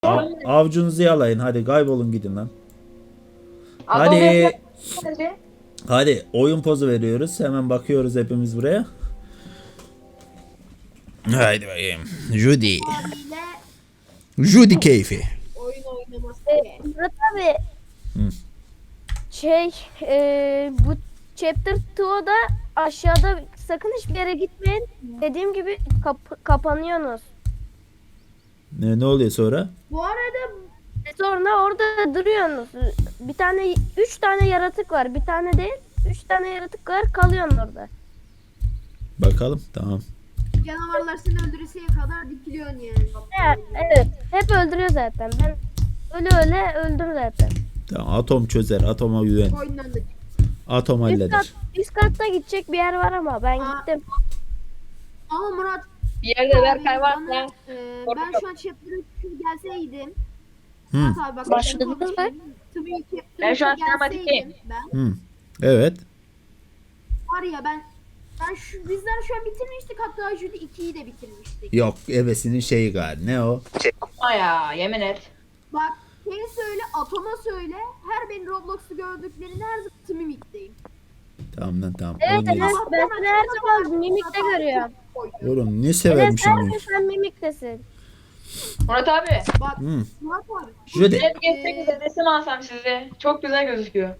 Avcunuzu yalayın. Hadi kaybolun gidin lan. Adam Hadi. Hadi. Hadi oyun pozu veriyoruz. Hemen bakıyoruz hepimiz buraya. Haydi bakayım. Judy. Abiyle Judy keyfi. oyun oynaması. Murat abi. Hı. Bu chapter 2'da aşağıda sakın hiçbir yere gitmeyin. Dediğim gibi kapanıyorsunuz. Ne oluyor sonra? Bu arada Sonra orada duruyorsunuz. Bir tane 3 tane yaratık var. Bir tane değil. 3 tane yaratık var. Kalıyorsun orada. Bakalım. Tamam. canavarlar seni öldürürseye kadar dikiliyorsun yani. Evet. Hep öldürüyor zaten. Ben öyle öldüm zaten. Tamam. Atom çözer. Atoma güven. Oyundan da. Atom halleder. Üst katta gidecek bir yer var ama ben gittim. Ama Murat Bir yerde Berkay bana, varsa ben şu an chapter 3 gelseydim. Hı. Murat abi bak. Başladınız mı? Ben şu an gelseydim sinematikteyim. Ben Hı. Evet. var ya ben bizler şu an bitirmiştik, hatta Judy 2'yi de bitirmiştik. Yok. Ebesinin şeyi galiba. Ne o? Yapma ya, yemin et. Bak şey söyle, Atom'a söyle, her beni Roblox'u gördüklerini her zaman Mimik'teyim. Tamam lan tamam. Evet, Oynayız. ben seni her zaman mimikte görüyorum. Oğlum ne Evet, severmişim her bu. gün sen mimiktesin. Murat abi. Bak Hı. Murat abi. Judy. Hep geçsek bize resim alsam size. Çok güzel gözüküyor.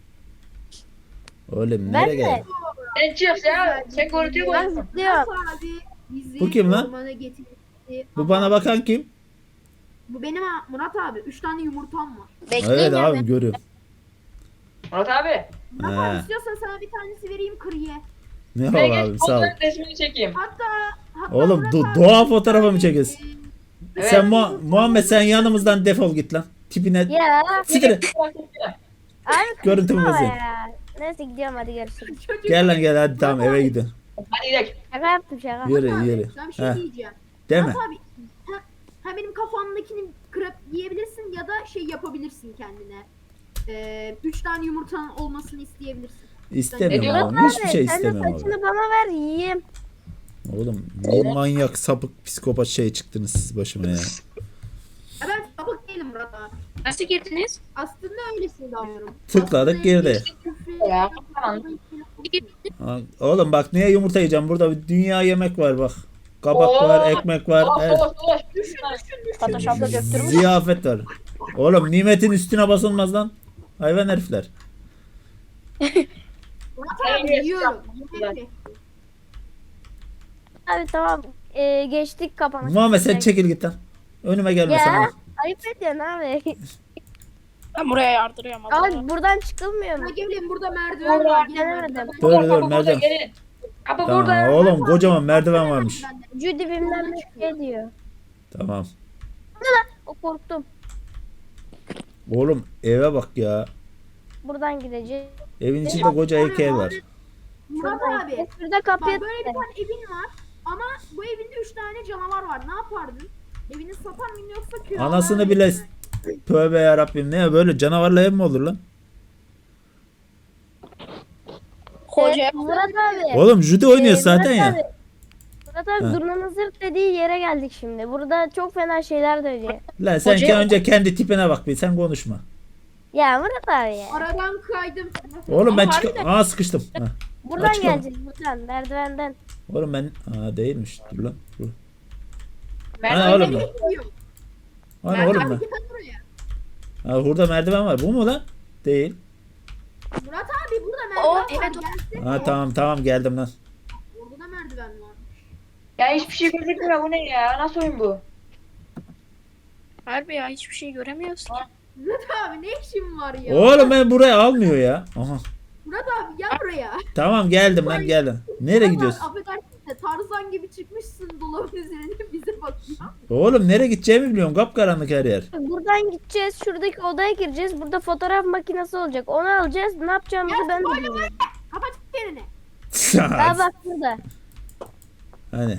Oğlum Ben nereye de. gel? Sen çık ya. Sen korutuyor Ben musun? zıplıyorum. Murat abi bizi Bu kim lan? ormana getirdi. Bu bana bakan kim? Bu benim Murat abi. 3 tane yumurtam var. Evet abi görüyorum. Murat abi. Murat He. abi istiyorsan sana bir tanesi vereyim, kır ye. Ne Buraya var geç. abi sağ ol. Onların resmini çekeyim. Hatta Oğlum Murat abi, doğa fotoğrafı mı çekiyorsun? Evet. Sen Muhammed sen yanımızdan defol git lan. Tipine Ya siktir. abi Görüntümü kızma bozayım. ya. Neyse gidiyorum, hadi görüşürüz. Çocuk. Gel lan gel hadi tamam eve gidelim. Hadi gidelim. Şaka yaptım şaka. Yürü Murat abi, yürü. Ben bir şey Heh, diyeceğim. Deme. Murat abi benim kafamdakini kırıp yiyebilirsin ya da şey yapabilirsin kendine. 3 tane yumurtanın olmasını isteyebilirsin. İstemiyorum Murat oğlum. Hiçbir şey Sen de istemiyorum abi. saçını bana ver yiyeyim. Oğlum ne manyak sapık psikopat şey çıktınız siz başıma ya. Ya ben sapık değilim Murat abi. Nasıl girdiniz? Aslında öylesini davranıyorum. Tıkladık, girdi. Ya, tamam. Oğlum bak niye yumurta yiyeceğim? Burada bir dünya yemek var bak. Kabak Oo. var, ekmek var. Dolaş her- dolaş dolaş. Photoshop'ta döktürmüş. Ziyafet var. Oğlum nimetin üstüne basılmaz lan. Hayvan herifler. Murat abi yiyorum. Yemek. Abi tamam. Geçtik kapanış. Muhammed sen çekil git lan. Önüme gelme Ya sana. ayıp ediyorsun abi. Ben buraya yardırıyorum. Abi buradan çıkılmıyor mu? Ha, gelin burada merdiven var. Gelin Gelemedim. merdiven. Dur dur Kapı merdiven. burada, gelin. Kapı Tamam burada. oğlum kocaman merdiven varmış. Judy bilmem ne şey diyor. Tamam. O korktum. Oğlum eve bak ya. Buradan gideceğiz. Evin içinde koca heykel var. Murat abi. Şurada kapıya Bak böyle bir tane evin var. Ama bu evinde 3 tane canavar var. Ne yapardın? Evini satar mıydın yoksa kiralar Anasını mıydın? bile tövbe yarabbim ne böyle canavarla ev mi olur lan? Koca Murat abi. Oğlum Judy oynuyor Murat zaten abi, ya. Murat abi Ha. zurnanın zırt dediği yere geldik şimdi. Burada çok fena şeyler dönüyor. Lan sen Hocaya- önce kendi tipine bak bir sen konuşma. Ya Murat abi ya. Aradan kaydım. Oğlum ben harbiden. Aa sıkıştım. Ha. Buradan Açık ama. geleceğiz buradan merdivenden. Oğlum ben değilmiş. Dur lan. Dur. Merdiven Ana oğlum geliyor. lan. Bekliyorum. Ana oğlum lan. Gel buraya. Ha, burada merdiven var. Bu mu lan? Değil. Murat abi burada merdiven O, var. evet, o. Gelsene. Ha tamam geldim lan. Orada da merdiven var. Ya hiçbir şey gözükmüyor, bu ne ya? Nasıl oyun bu? Harbi ya hiçbir şey göremiyoruz ki. Murat abi ne işin var ya? Oğlum ben buraya almıyor ya. Aha. Murat abi gel buraya. Tamam geldim lan geldim. Nereye Murat gidiyorsun? abi, affedersin de Tarzan gibi çıkmışsın dolabın üzerine bize bakıyor. Oğlum nereye gideceğimi biliyorum. Kapkaranlık her yer. Buradan gideceğiz. Şuradaki odaya gireceğiz. Burada fotoğraf makinesi olacak. Onu alacağız. Ne yapacağımızı ben de bilmiyorum. Kapat yerini. Aa bak burada. Hani.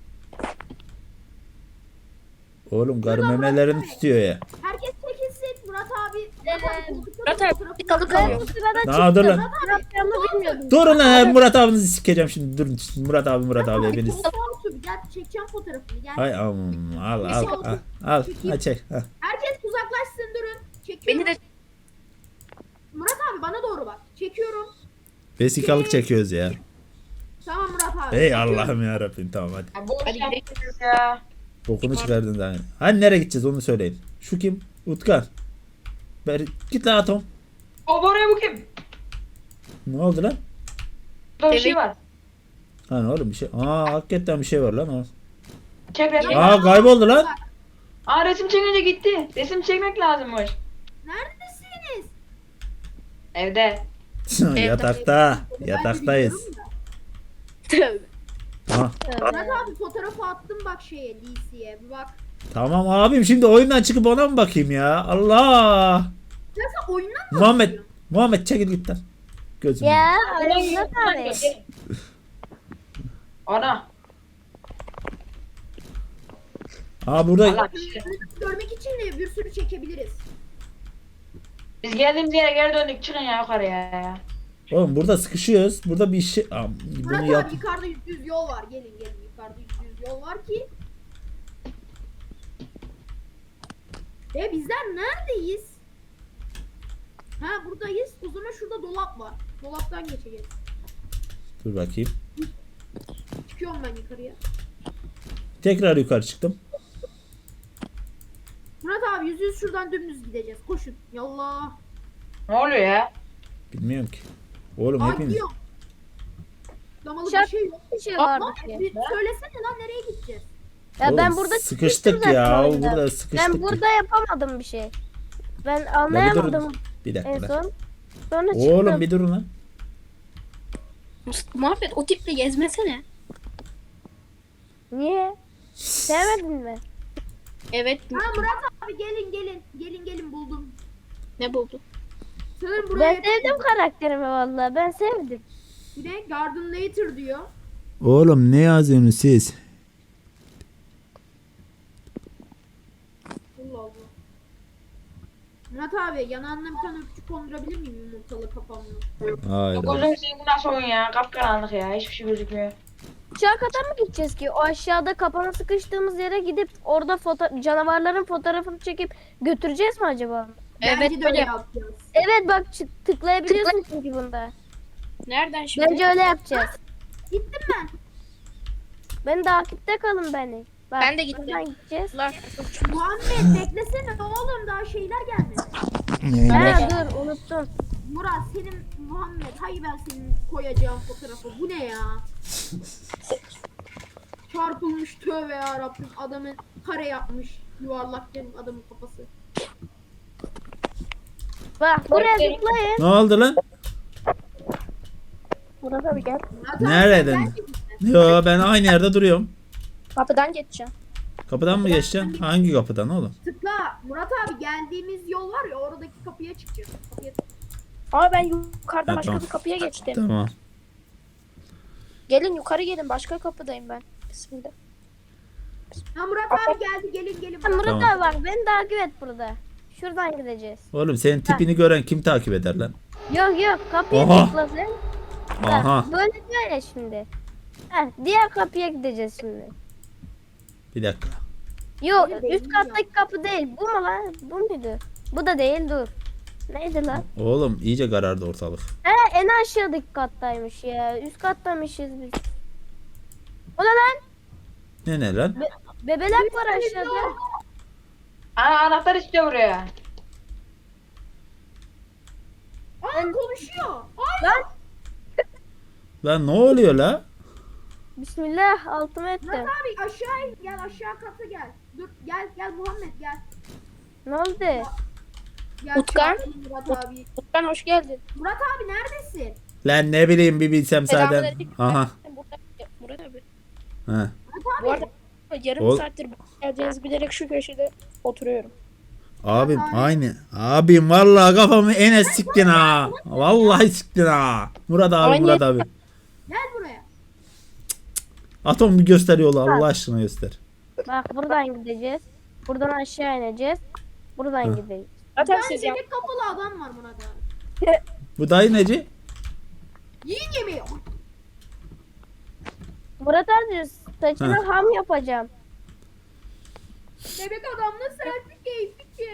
Oğlum karı memelerini tutuyor ya. Herkes çekilsin. Murat abi. Murat abi bir kalı Ben kalıyor. bu sırada Aa, dur çıktım. lan. Ne yapacağımı bilmiyordum. Durun lan Murat abinizi sikeceğim şimdi. Durun. Murat abi hepiniz. Koltuğa otur bir Gel çekeceğim fotoğrafını gel. Hay al al çek. Al. Herkes uzaklaşsın durun. Çekiyorum. Beni de Murat abi bana doğru bak. Çekiyorum. Vesikalık çekiyoruz ya. Tamam Murat abi. Ey Çekiyorum. Allah'ım ya Rabbim tamam hadi. Ya boş Hadi yapıyoruz ya. Bokunu çıkardın daha. Hani nereye gideceğiz onu söyleyin. Şu kim? Utkan. Git lan Atom. O oraya bu kim? Ne oldu lan? Burada bir şey var. Hani oğlum bir şey. Hakikaten bir şey var lan o. Çek resmi. Kayboldu lan. Resim çekince gitti. Resim çekmek lazımmış. Neredesiniz? Evde. Yatakta. Ben Yataktayız. biliyorum da. tövbe. Ha. Murat abi fotoğrafı attım bak şeye DC'ye. Bir bak. Tamam abim şimdi oyundan çıkıp ona mı bakayım ya? Allah. Ya sen oyundan mı Muhammed. bakıyorsun? Muhammed çekil git lan. Gözüm. Ya Murat abi. Ana. Burada Allah bir şey. Görmek için de bir sürü çekebiliriz. Biz geldiğimiz yere geri döndük. Çıkın ya yukarıya ya. oğlum burada sıkışıyoruz. Burada bir şey Murat bunu yap. abi yukarıda %100 yol var. Gelin yukarıda %100 yol var ki. Bizler neredeyiz? Ha buradayız. O zaman şurada dolap var. Dolaptan geçeceğiz. Dur bakayım. Çıkıyorum ben yukarıya. Tekrar yukarı çıktım. Murat abi %100 şuradan dümdüz gideceğiz. Koşun. Yallah. Ne oluyor ya? Bilmiyorum ki. Oğlum Aa hepiniz. gidiyorum. Damalı bir Şak- şey yok. Bir şey Lan vardı ki. söylesene lan nereye gideceğiz? Ya Oğlum, ben burada sıkıştık çıkmıştım ya. zaten oyunda. Burada sıkıştık. Ben burada yapamadım bir şey. Ben Ya bir anlayamadım durun. Bir en dakika. lan. son. Sonra çıktım. Oğlum bir durun lan. Muhammed o tiple gezmesene. Niye? Sevmedin mi? Evet. Ha Murat abi gelin buldum. Ne buldu? Sanırım buraya Ben sevdim karakterimi vallahi. Ben sevdim. bir de Garden Later diyor. Oğlum ne yazıyorsunuz siz? Allah Allah. Murat abi yanağına bir tane öpücük kondurabilir miyim yumurtalı kafamla? Hayır. Gözüm seveyim bu nasıl oyun ya? Kapkaranlık ya. Hiçbir şey gözükmüyor. Aşağı kata mı gideceğiz ki? O aşağıda kapana sıkıştığımız yere gidip orada canavarların fotoğrafını çekip götüreceğiz mi acaba? Evet Bence de öyle böyle. yapacağız. Evet bak tıklayabiliyorsun çünkü bunda. Nereden şimdi? Bence öyle yapacağız. Gittim ben. Beni takipte kalın beni. Bak, Ben de gittim. buradan gideceğiz. Muhammed beklesene oğlum daha şeyler gelmedi. Ha dur unuttum. Murat senin Muhammed hayır ben senin koyacağım fotoğrafı. Bu ne ya? Çarpılmış tövbe ya Rabbim adamın kare yapmış. Yuvarlak benim adamın kafası. Bak buraya zıplayın. Ne oldu lan? Murat abi gel. Murat abi, Nereden? sen Yo ben aynı yerde duruyorum. Kapıdan geçeceğim. Kapıdan mı geçeceksin? Hangi kapıdan oğlum? tıkla. Murat abi geldiğimiz yol var ya oradaki kapıya çıkacağız. Ama ben yukarıda Ha, başka tamam. bir kapıya geçtim. Tamam. Gelin yukarı gelin başka kapıdayım ben. Bismillah. Ha Murat abi geldi gelin Ha, Murat Tamam. abi bak beni takip et burada. Şuradan gideceğiz. Oğlum senin tipini gören kim takip eder lan? Yok kapıyı Oha. tıkla sen. Aha. Bak, böyle şimdi. Heh, diğer kapıya gideceğiz şimdi. Bir dakika. Yok Öyle değil üst kattaki kapı değil. Bu mu lan? Bu muydu? Bu da değil dur. Neydi lan? Oğlum iyice karardı ortalık. He en aşağıdaki kattaymış ya. Üst kattaymışız biz. O ne lan? Ne lan? Bebelek var aşağıda. Anahtar istiyor buraya. Aa konuşuyor. Lan Lan ne oluyor la? bismillah altıma ettim. Murat abi aşağı in gel aşağı kata gel. Dur gel Muhammed gel. Ne oldu? Gel Utkan. çağıralım Murat abi. Utkan hoş geldin. Murat abi neredesin? Lan ne bileyim bir bilsem zaten. Selamünaleyküm. Aha. Murat abi. Ha. Bu arada yarım Ol- saattir geleceğinizi bilerek şu köşede oturuyorum. Abim aynı. Abim vallahi kafamı ene siktin ha. Vallahi siktin ha. Murat abi Aynı. Murat abi. Gel buraya. Atom bir göster yolu Allah aşkına göster. Bak buradan gideceğiz. Buradan aşağı ineceğiz. Buradan gideceğiz. Zaten Ben siz ya. yemek kapalı adam var Murat abi. Bu dayı neci? Yiyin yemeği. Murat abi Saçını ham yapacağım. Bebek adamla selfie keyfi ki.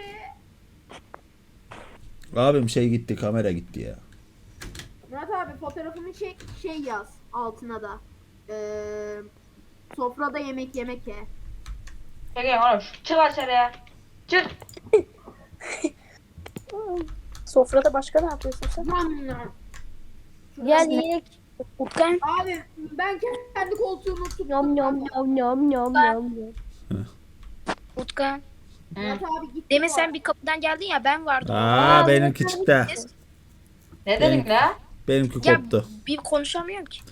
Abim şey gitti, kamera gitti ya. Murat abi fotoğrafını çek şey yaz altına da. Sofrada yemek yemek ye. Çekeyim oğlum. Çık aşağıya. Çık. Sofrada başka ne yapıyorsun sen? Nam nam. Gel yiyek. Utkan. Abi ben kendi koltuğumu tuttum. Yom yom yom yom yom yom. Utkan. Murat abi gitti. Demin bu sen arada. bir kapıdan geldin ya ben vardım. Aa benimki çıktı. Ne dedin la? Benimki Ya koptu. bir konuşamıyorum ki.